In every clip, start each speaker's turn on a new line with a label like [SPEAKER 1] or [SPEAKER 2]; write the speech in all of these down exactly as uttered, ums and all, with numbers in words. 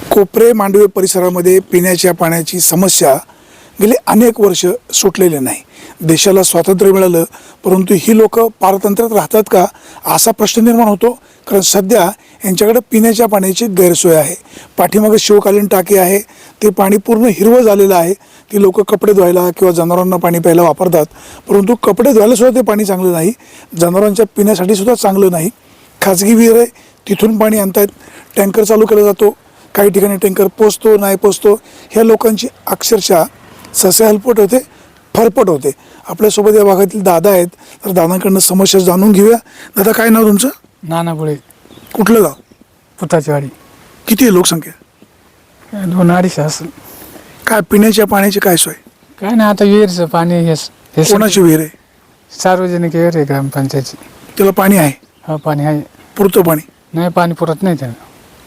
[SPEAKER 1] कोपरे मांडवे परिसरामध्ये पिण्याच्या पाण्याची समस्या गेले अनेक वर्ष सुटलेली नाही. देशाला स्वातंत्र्य मिळालं, परंतु ही लोक पारतंत्र्यात राहतात का असा प्रश्न निर्माण होतो. कारण सध्या यांच्याकडे पिण्याच्या पाण्याची गैरसोय आहे. पाठीमागे शिवकालीन टाकी आहे, ते पाणी पूर्ण हिरवं झालेलं आहे. ती लोक कपडे धुवायला किंवा जनावरांना पाणी प्यायला वापरतात, परंतु कपडे धुवायला सुद्धा ते पाणी चांगलं नाही, जनावरांच्या पिण्यासाठी सुद्धा चांगलं नाही. खाजगी विहीर आहे, तिथून पाणी आणतायत, टँकर चालू केला जातो, काही ठिकाणी टँकर पोचतो नाही पोचतो. ह्या लोकांची अक्षरशः सस्य हलपट होते, फरफट होते. आपल्यासोबत या भागातील दादा आहेत, तर दादांकडनं समस्या जाणून घेऊया. दादा, काय नाव तुमचं?
[SPEAKER 2] नाना बुळे,
[SPEAKER 1] कुठलं गाव?
[SPEAKER 2] पुताची वाडी.
[SPEAKER 1] किती आहे लोकसंख्या?
[SPEAKER 2] दोन अडीचशे असेल.
[SPEAKER 1] काय पिण्याच्या पाण्याची काय सोय?
[SPEAKER 2] काय नाही, आता विहीरचं पाणी हे हे
[SPEAKER 1] कोणाची विहीर आहे?
[SPEAKER 2] सार्वजनिक विहीर आहे ग्रामपंचायतची.
[SPEAKER 1] त्याला पाणी आहे?
[SPEAKER 2] हा, पाणी आहे.
[SPEAKER 1] पुरतं पाणी?
[SPEAKER 2] नाही, पाणी पुरत नाही त्याला.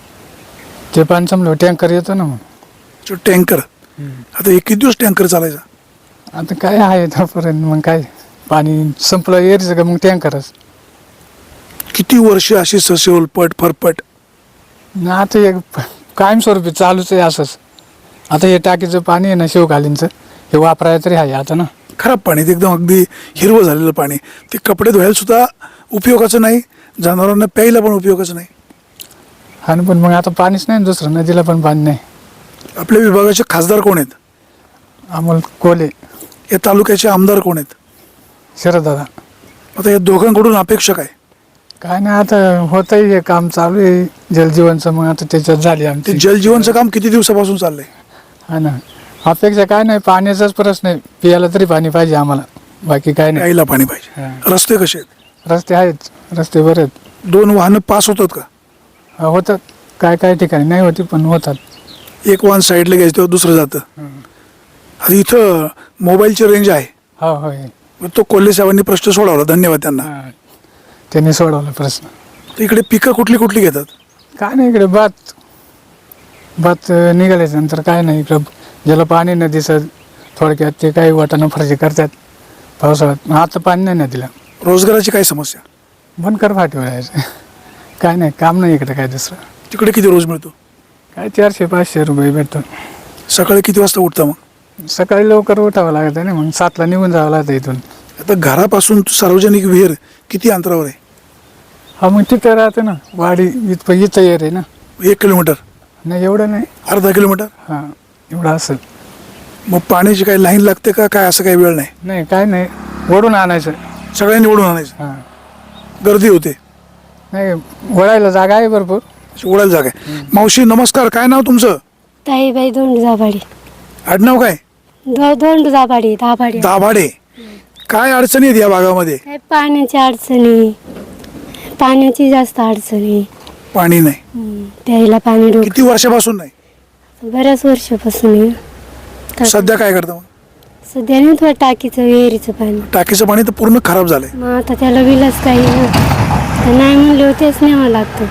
[SPEAKER 2] ते पाणी संपलं टँकर येतो ना मग.
[SPEAKER 1] टँकर? आता एक किती दिवस टँकर चालायचा?
[SPEAKER 2] आता काय आहे तोपर्यंत, मग काय पाणी संपलं विहीरचं का मग टँकरच.
[SPEAKER 1] किती वर्ष अशी सस्य उलपट फरफट?
[SPEAKER 2] ना आता एक कायमस्वरूपी चालूच आहे असंच. आता हे टाकीचं पाणी आहे ना शिवकालीनचं, हे वापरायला तरी आहे आता ना.
[SPEAKER 1] खराब पाणी, ते एकदम अगदी हिरवं झालेलं पाणी. ते कपडे धुवायला सुद्धा उपयोगाचं नाही, जनावरांना प्यायला पण उपयोगाचं नाही.
[SPEAKER 2] हा ना, पण मग आता पाणीच नाही, दुसरं नदीला पण पाणी नाही.
[SPEAKER 1] आपल्या विभागाचे खासदार कोण आहेत?
[SPEAKER 2] अमोल कोले.
[SPEAKER 1] या तालुक्याचे आमदार कोण आहेत?
[SPEAKER 2] शरददादा.
[SPEAKER 1] आता या दोघांकडून अपेक्षा काय?
[SPEAKER 2] काय नाही, आता होतंय हे काम चालू आहे जलजीवनचं, मग आता त्याच्यात झाली
[SPEAKER 1] ते
[SPEAKER 2] आमची.
[SPEAKER 1] जलजीवनचं काम किती दिवसापासून चाललंय?
[SPEAKER 2] हा ना, अपेक्षा काय नाही, पाण्याचाच प्रश्न आहे. पियाला तरी पाणी पाहिजे आम्हाला, बाकी काय नाही.
[SPEAKER 1] प्यायला पाणी पाहिजे.
[SPEAKER 2] हा.
[SPEAKER 1] रस्ते कसे आहेत?
[SPEAKER 2] रस्ते आहेत, रस्ते बरे आहेत.
[SPEAKER 1] दोन वाहनं पास होतात का?
[SPEAKER 2] हा, होतात. काय काय ठिकाणी नाही होती, पण होतात.
[SPEAKER 1] एक वाहन साईडला घ्यायचं तेव्हा दुसरं जातं. आता इथं मोबाईलची रेंज आहे,
[SPEAKER 2] हो होय.
[SPEAKER 1] मग तो कोल्हे साहेबांनी प्रश्न सोडवला, धन्यवाद त्यांना.
[SPEAKER 2] हा, त्यांनी सोडवला प्रश्न.
[SPEAKER 1] तर इकडे पिकं कुठली कुठली घेतात?
[SPEAKER 2] काय नाही, इकडे भात भात निघाल्याच्या नंतर काय नाही, इकडं ज्याला पाणी नदीचं थोडक्यात ते काही वाटाणं फरशी करतात पावसाळ्यात. आता पाणी नाही नदीला.
[SPEAKER 1] रोजगाराची काय समस्या?
[SPEAKER 2] बनकर फाटी वळायचं. काय नाही, काम नाही इकडे काय दुसरं.
[SPEAKER 1] तिकडे किती रोज मिळतो?
[SPEAKER 2] काय चारशे पाचशे रुपये भेटतो.
[SPEAKER 1] सकाळी किती वाजता उठता मग?
[SPEAKER 2] सकाळी लवकर उठावं लागत आहे ना, मग सातला निघून जावं लागतं इथून.
[SPEAKER 1] आता घरापासून सार्वजनिक विहीर किती अंतरावर आहे?
[SPEAKER 2] हा, मग तिथं राहतं ना, वाडी इथं इथं येर आहे ना.
[SPEAKER 1] एक किलोमीटर?
[SPEAKER 2] नाही, एवढं नाही.
[SPEAKER 1] अर्धा किलोमीटर?
[SPEAKER 2] हां, एवढं असेल.
[SPEAKER 1] मग पाण्याची काही लाईन लागते का, काय असं काही वेळ नाही?
[SPEAKER 2] नाही, काय नाही, ओढून आणायचं.
[SPEAKER 1] सगळ्यांनी ओढून आणायचं?
[SPEAKER 2] हां,
[SPEAKER 1] गर्दी होते?
[SPEAKER 2] नाही, वळायला जागा आहे भरपूर.
[SPEAKER 1] ओढायला जागा आहे. मावशी नमस्कार, काय नाव तुमचं?
[SPEAKER 3] ताईबाई दोंड दाभाडे.
[SPEAKER 1] आडनाव काय?
[SPEAKER 3] दो दोंड दाभाडे दाभाडे.
[SPEAKER 1] दाभाडे. काय अडचणी आहेत या भागामध्ये?
[SPEAKER 3] काय पाण्याची अडचणी, पाण्याची जास्त अडचणी.
[SPEAKER 1] पाणी नाही?
[SPEAKER 3] हम्म, प्यायला पाणी डोक
[SPEAKER 1] किती वर्षापासून नाही?
[SPEAKER 3] बऱ्याच वर्षापासून आहे. तर
[SPEAKER 1] सध्या काय करता मग?
[SPEAKER 3] सध्या नाही, थोडं टाकीचं विहिरीचं पाणी.
[SPEAKER 1] टाकीचं पाणी तर पूर्ण खराब झालंय.
[SPEAKER 3] मग आता त्याला विलच काही ना, तर नाही म्हणले होतेच न्यावं लागतं.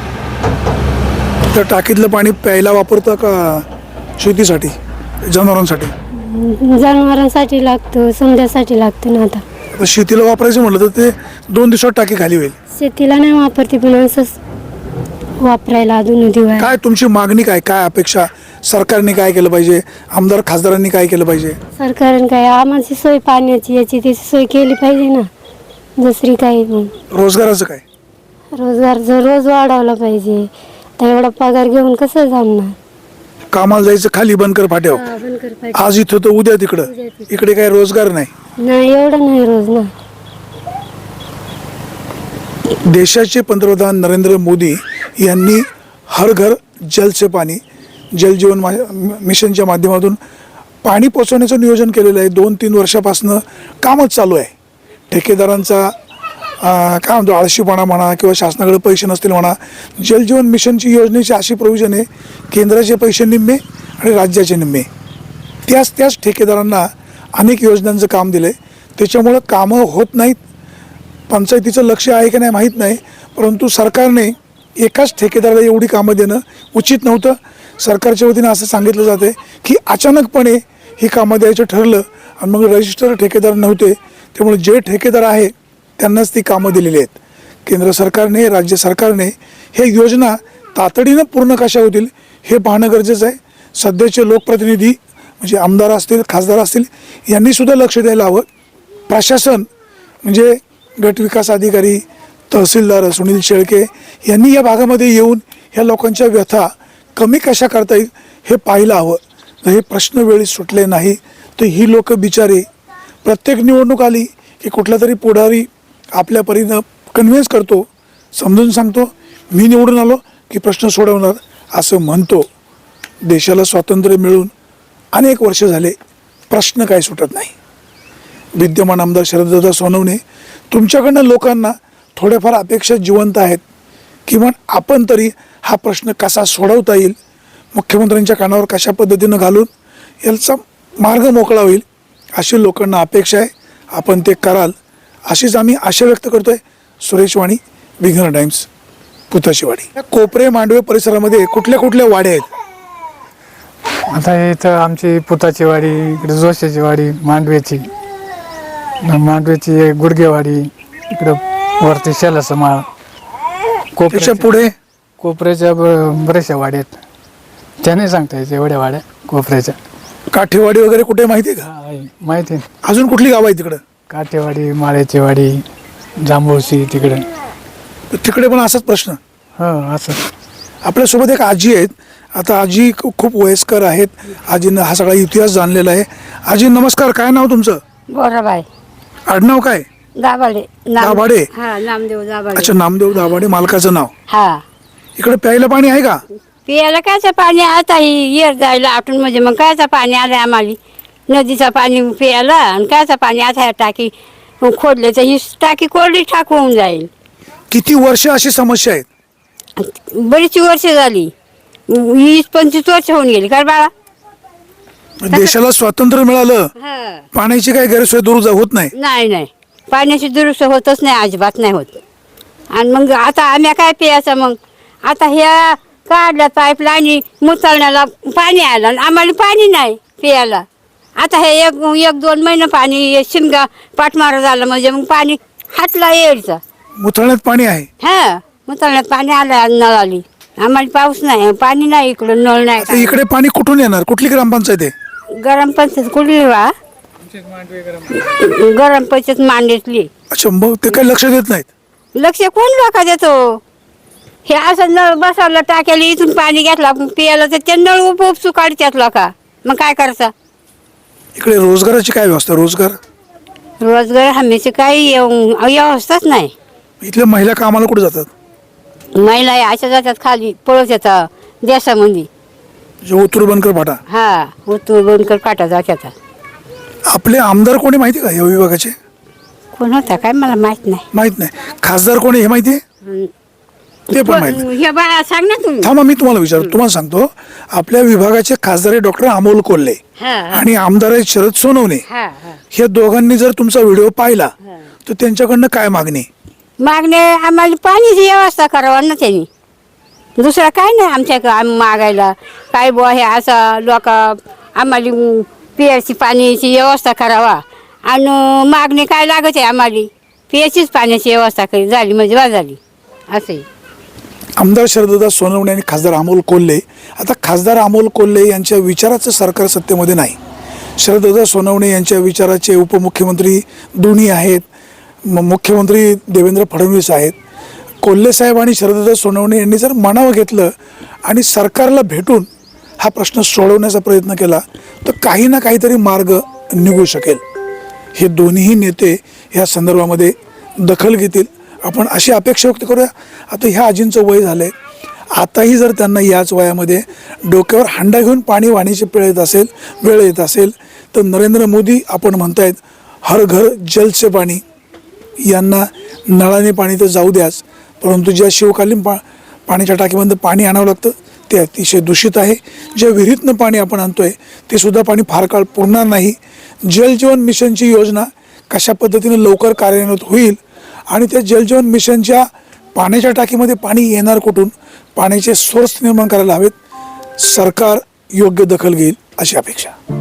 [SPEAKER 1] तर टाकीतलं पाणी प्यायला वापरता का शेतीसाठी, जनावरांसाठी?
[SPEAKER 3] जनावरांसाठी लागतं, समजासाठी लागतं ना. आता
[SPEAKER 1] आता शेतीला वापरायचं म्हटलं तर ते दोन दिवसात टाकी खाली होईल.
[SPEAKER 3] शेतीला नाही वापरते, पण असंच वापरायला अजून दिवाळी.
[SPEAKER 1] काय तुमची मागणी, काय काय अपेक्षा? सरकारने काय केलं पाहिजे? आमदार खासदारांनी काय केलं पाहिजे?
[SPEAKER 3] सरकारने काय आम्हाला सोय पाण्याची याची त्याची सोय केली पाहिजे ना, दुसरी काही. मग
[SPEAKER 1] रोजगाराचं काय?
[SPEAKER 3] रोजगार जर रोज वाढवला पाहिजे. तर एवढा पगार घेऊन कसं जमणार?
[SPEAKER 1] कामाला जायचं खाली बनकर फाट्यावर,
[SPEAKER 3] हा, बनकर पाहिजे.
[SPEAKER 1] आज इथं तर उद्या तिकडं.
[SPEAKER 3] उद्या तिकडं.
[SPEAKER 1] इकडे काय रोजगार नाही.
[SPEAKER 3] नाही, एवढं नाही रोज ना.
[SPEAKER 1] देशाचे पंतप्रधान नरेंद्र मोदी यांनी हर घर जल से पाणी, जल जीवन मा मिशनच्या माध्यमातून पाणी पोचवण्याचं नियोजन केलेलं आहे. दोन तीन वर्षापासून कामच चालू आहे. ठेकेदारांचा काय म्हणतो आळशीपणा म्हणा किंवा शासनाकडे पैसे नसतील म्हणा, जल जीवन मिशनची योजनेची अशी प्रोव्हिजन आहे, केंद्राचे पैसे निम्मे आणि राज्याचे निम्मे. त्याच त्याच ठेकेदारांना अनेक योजनांचं काम दिलं आहे. त्याच्यामुळं कामं होत नाहीत. पंचायतीचं लक्ष आहे की नाही माहीत नाही, परंतु सरकारने एकाच ठेकेदाराला एवढी कामं देणं उचित नव्हतं. सरकारच्या वतीनं असं सांगितलं जाते की अचानकपणे ही कामं द्यायचं ठरलं आणि मग रजिस्टर ठेकेदार नव्हते, त्यामुळे जे ठेकेदार आहे त्यांनाच ती कामं दिलेली आहेत. केंद्र सरकारने, राज्य सरकारने हे योजना तातडीनं पूर्ण कशा होतील हे पाहणं गरजेचं आहे. सध्याचे लोकप्रतिनिधी म्हणजे आमदार असतील, खासदार असतील, यांनी सुद्धा लक्ष द्यायला हवं. प्रशासन म्हणजे गट विकास अधिकारी, तहसीलदार सुनील शेळके यांनी या भागामध्ये येऊन ह्या लोकांच्या व्यथा कमी कशा करता येईल हे पाहायला हवं. तर हे प्रश्न वेळी सुटले नाही तर ही लोक बिचारे प्रत्येक निवडणूक आली की कुठला तरी पुढारी आपल्या परीनं कन्व्हिन्स करतो, समजून सांगतो, मी निवडून आलो की प्रश्न सोडवणार असं म्हणतो. देशाला स्वातंत्र्य मिळून अनेक वर्ष झाले, प्रश्न काय सुटत नाही. विद्यमान आमदार शरददादा सोनवणे, तुमच्याकडनं लोकांना थोड्याफार अपेक्षा जिवंत आहेत. किंवा आपण तरी हा प्रश्न कसा सोडवता येईल, मुख्यमंत्र्यांच्या कानावर कशा पद्धतीनं घालून याचा मार्ग मोकळा होईल अशी लोकांना अपेक्षा आहे. आपण ते कराल अशीच आम्ही आशा व्यक्त करतोय. सुरेश वाणी, विघ्न टाइम्स, पुताशीवाडी. या कोपरे मांडवे परिसरामध्ये कुठल्या कुठल्या वाड्या आहेत?
[SPEAKER 2] आता इथं आमची पुताची वाडी, इकडे जोशाची वाडी, मांडव्याची मांडव्याची गुडगेवाडी, इकडं वरती शेलाचं माळ,
[SPEAKER 1] त्याच्या
[SPEAKER 2] कोपऱ्याच्या
[SPEAKER 1] पुढे
[SPEAKER 2] कोपऱ्याच्या ब- बऱ्याचशा वाड्या आहेत. त्याने सांगता यायच्या एवढ्या वाड्या कोपऱ्याच्या.
[SPEAKER 1] काठेवाडी वगैरे कुठे माहिती आहे का?
[SPEAKER 2] हा, आहे. माहिती आहे.
[SPEAKER 1] अजून कुठली गाव आहे तिकडं?
[SPEAKER 2] काठेवाडी, माळ्याची वाडी, जांभूळशी तिकडे.
[SPEAKER 1] तर तिकडे पण असाच प्रश्न.
[SPEAKER 2] हो असं.
[SPEAKER 1] आपल्यासोबत एक आजी आहेत. आता आजी खू- खूप वयस्कर आहेत. आजीनं हा सगळा इतिहास जाणलेला आहे. आजी नमस्कार, काय नाव तुमचं?
[SPEAKER 3] गोराबाई
[SPEAKER 1] आडनाव काय?
[SPEAKER 3] दाभाडे.
[SPEAKER 1] दाभाडे?
[SPEAKER 3] हा, नामदेव दाभाडे.
[SPEAKER 1] अच्छा, नामदेव दाभाडे मालकाचं नाव.
[SPEAKER 3] हा,
[SPEAKER 1] इकडे प्यायला पाणी आहे का?
[SPEAKER 3] पियाला कायचं पाणी आता ही येर जायला आटून म्हणजे मग कायचं पाणी आलंय आम्हाला. नदीचं पाणी पियाला आणि कायचं पाणी आता ह्या टाकी खोदले तर ही टाकी कोरडी ठाक होऊन जाईल.
[SPEAKER 1] किती वर्ष अशी समस्या आहेत?
[SPEAKER 3] बरीच वर्ष झाली, वीस पंचवीस वर्ष होऊन गेली. काय बाळा?
[SPEAKER 1] देशाला स्वातंत्र्य मिळालं,
[SPEAKER 3] हा.
[SPEAKER 1] पाण्याची काही गैरसोय दूर जा- होत नाही.
[SPEAKER 3] नाही नाही, पाण्याची दुरुस्त होतच नाही, अजिबात नाही होत. आणि मग आता आम्ही काय प्यायचं मग? आता ह्या काढल्या पाईपलाईन मुचाळण्याला पाणी आलं आणि आम्हाला पाणी नाही प्यायला. आता हे एक एक दोन महिने पाणी शिमगा पाठमारा झाला म्हणजे मग पाणी हातला यायचं.
[SPEAKER 1] मुथळण्यात पाणी आहे.
[SPEAKER 3] हा, मुचाळण्यात पाणी आलं, नळ आली. आम्हाला पाऊस नाही, पाणी नाही, इकडं नळ नाही.
[SPEAKER 1] आता इकडे पाणी कुठून येणार? कुठली ग्रामपंचायत आहे?
[SPEAKER 3] गरम पंचायत कुठली वा? गरम पंचायत मांडीतली.
[SPEAKER 1] अच्छा, मग ते काही लक्ष देत नाहीत.
[SPEAKER 3] लक्ष कोण लोक देतो? हे असं नळ बसवलं टाक्याला, इथून पाणी घेतलं पियाला तर ते नळ उप उपसू काढतात लोक. मग काय करायचं?
[SPEAKER 1] इकडे रोजगाराची काय व्यवस्था? रोजगार
[SPEAKER 3] रोजगार हमीची काही येऊ- व्यवस्थाच नाही.
[SPEAKER 1] इथल्या महिला कामाला कुठे जातात?
[SPEAKER 3] महिला या अशा जातात खाली, पळत येतात देशामध्ये.
[SPEAKER 1] जे ओतूर बनकर फाटा.
[SPEAKER 3] हा, उतू बनकर काटा जातात.
[SPEAKER 1] आपले आमदार कोणी माहिती का या विभागाचे?
[SPEAKER 3] कोण होता काय मला माहित नाही.
[SPEAKER 1] माहित नाही. खासदार कोणी हे माहिती आहे?
[SPEAKER 3] हम्म.
[SPEAKER 1] ते पण माहित नाही.
[SPEAKER 3] हे बाळा सांग ना तुम्ही.
[SPEAKER 1] थांबा, मी तुम्हाला विचारतो. तुम्हाला सांगतो, आपल्या विभागाचे खासदार डॉक्टर अमोल कोल्हे
[SPEAKER 3] हा, हा,
[SPEAKER 1] आणि आमदार आहेत शरद सोनवणे.
[SPEAKER 3] हा, हा.
[SPEAKER 1] हे दोघांनी जर तुमचा व्हिडिओ पाहिला तर त्यांच्याकडनं काय मागणी?
[SPEAKER 3] मागणे आम्हाला पाणीची व्यवस्था करावा ना त्यांनी. दुसरा काय नाही आमच्या आम्ही मागायला. काय बुवा हे असं लोक आम्हाला पियाची पाण्याची व्यवस्था करावा. आणि मागणी काय लागत आहे आम्हाला? पियाचीच पाण्याची व्यवस्था करी झाली म्हणजे बा झाली असं.
[SPEAKER 1] आमदार शरददादा सोनवणे आणि खासदार अमोल कोल्हे. आता खासदार अमोल कोल्हे यांच्या विचाराचं सरकार सत्तेमध्ये नाही. शरददादा सोनवणे यांच्या विचाराचे उपमुख्यमंत्री दोन्ही आहेत. म- मुख्यमंत्री देवेंद्र फडणवीस आहेत. कोल्हे साहेब आणि शरददादा सोनवणे यांनी जर मनावं घेतलं आणि सरकारला भेटून हा प्रश्न सोडवण्याचा प्रयत्न केला तर काही ना काहीतरी मार्ग निघू शकेल. हे दोन्ही नेते ह्या संदर्भामध्ये दखल घेतील, आपण अशी अपेक्षा व्यक्त करूया. आता ह्या आजींचं वय झालं आहे, आताही जर त्यांना याच वयामध्ये डोक्यावर हांडा घेऊन पाणी वाहण्याची वेळ येत असेल वेळ येत असेल तर नरेंद्र मोदी आपण म्हणतायत हर घर जल से पाणी, यांना नळाने पाणी तर जाऊ द्याच, परंतु ज्या शिवकालीन पा पाण्याच्या टाकीमधून पाणी आणावं लागतं ते अतिशय दूषित आहे. ज्या विहिरीतनं पाणी आपण आणतोय ते सुद्धा पाणी फार काळ पुरणार नाही. जल जीवन मिशनची योजना कशा पद्धतीने लवकर कार्यान्वित होईल आणि त्या जल जीवन मिशनच्या पाण्याच्या टाकीमध्ये पाणी येणार कुठून, पाण्याचे सोर्स निर्माण करायला हवेत. सरकार योग्य दखल घेईल अशी अपेक्षा.